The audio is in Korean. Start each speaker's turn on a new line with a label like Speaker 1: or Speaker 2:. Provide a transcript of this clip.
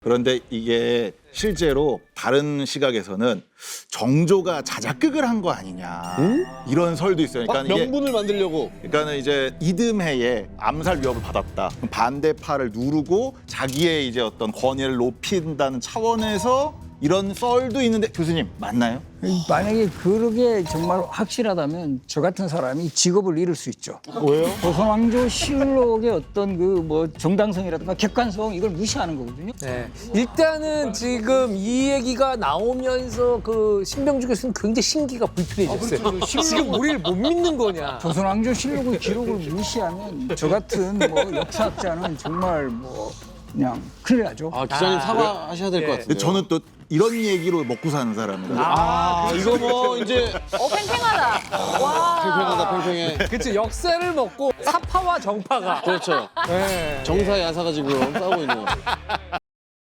Speaker 1: 그런데 이게 실제로 다른 시각에서는 정조가 자작극을 한 거 아니냐 이런 설도 있어요. 그러니까 이게
Speaker 2: 명분을 만들려고.
Speaker 1: 그러니까는 이제 이듬해에 암살 위협을 받았다. 그럼 반대파를 누르고 자기의 이제 어떤 권위를 높인다는 차원에서 이런 썰도 있는데 교수님 맞나요?
Speaker 3: 만약에 그게 정말 확실하다면 저 같은 사람이 직업을 잃을 수 있죠.
Speaker 2: 왜요?
Speaker 3: 조선왕조 실록의 어떤 그 뭐 정당성이라든가 객관성 이걸 무시하는 거거든요.
Speaker 4: 네. 일단은 지금 이 얘기가 나오면서 그 신병주 교수는 굉장히 신기가 불편해졌어요. 지금 우리를 못 믿는 거냐.
Speaker 3: 조선왕조 실록의 기록을 무시하면 저 같은 뭐 역사학자는 정말 뭐 그냥 큰일 나죠.
Speaker 2: 아, 기자님 사과하셔야 될 것
Speaker 4: 예.
Speaker 2: 같은데.
Speaker 1: 근데 저는 또 이런 얘기로 먹고 사는 사람이라.
Speaker 2: 아, 이거 뭐 이제
Speaker 5: 팽팽하다. 와.
Speaker 2: 팽팽하다, 팽팽해.
Speaker 4: 그렇죠. 역사를 먹고 사파와 정파가.
Speaker 2: 그렇죠.
Speaker 4: 네.
Speaker 2: 정사 야사가 지금 싸우고 있는.